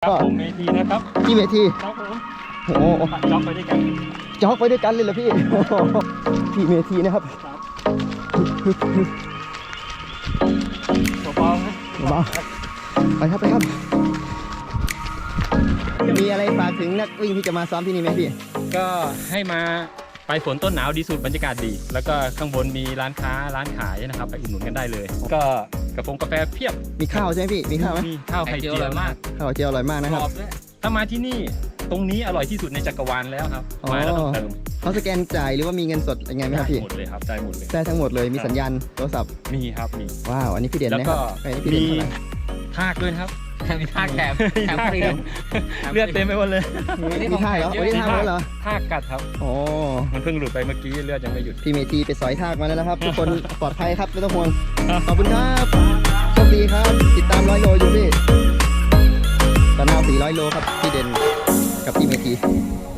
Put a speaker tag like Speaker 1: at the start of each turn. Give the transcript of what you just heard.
Speaker 1: ครับผมเมทีนะครับ
Speaker 2: พี่เมที
Speaker 1: ครับผม
Speaker 2: โอ้โห
Speaker 1: จ็อกไปด้วยกัน
Speaker 2: จ็อกไปด้วยกันเลยเหรอพี่ พี่เมทีนะครับ
Speaker 1: เบาๆนะ
Speaker 2: มาไปครับไปครับ มีอะไรฝากถึงนักวิ่งที่จะมาซ้อมที่นี่ไหมพี่
Speaker 1: ก็ให้มาไปฝนต้นหนาวดีสุดบรรยากาศดี แล้วก็ข้างบนมีร้านค้าร้านขายนะครับไปอุดหนุนกันได้เลย ก็กาแฟเพียบ
Speaker 2: มีข้าวใช่ไหมพี่ มีข้าวไหม
Speaker 1: มีข้าวไข่เจียวอร่อยมาก
Speaker 2: ข้าวเจียวอร่อยมากนะครับ
Speaker 1: ถ้ามาที่นี่ตรงนี้อร่อยที่สุดในจักรวาลแล้วครับมาแล้วต้องเติม
Speaker 2: เขาสแกนจ่ายหรือว่ามีเงินสดยังไงไหมครับพี่
Speaker 1: หมดเลยครับได้หมดเลย
Speaker 2: ได้ทั้งหมดเลย มีสัญญาณโทรศัพท์
Speaker 1: มีครับมี
Speaker 2: ว้าว อันนี้พี่เด่น
Speaker 1: แล้ว
Speaker 2: นะค
Speaker 1: ก็
Speaker 2: รับอันนี้พี่เด่น
Speaker 1: มี
Speaker 2: เท่าไหร่
Speaker 1: ทากด้วยนะครับ
Speaker 3: มีท่าแถมฟรี
Speaker 1: เลือดเต็มไปหมดเลย
Speaker 2: มีท่าเหรอวันนี้ท่าแล้วเหรอ
Speaker 1: ทากกัดครับ
Speaker 2: โอ้
Speaker 1: มันเพิ่งหลุดไปเมื่อกี้เลือดยังไม่หยุด
Speaker 2: พี่เมทีไปสอยทากมาแล้วนะครับ ทุกคนปลอดภัยครับไม่ต้องห่วง ขอบคุณครับโชคดีครับ ติดตาม100 โลอยู่พี่ตอนหน้า400 โลครับพี่เด่นกับพี่เมที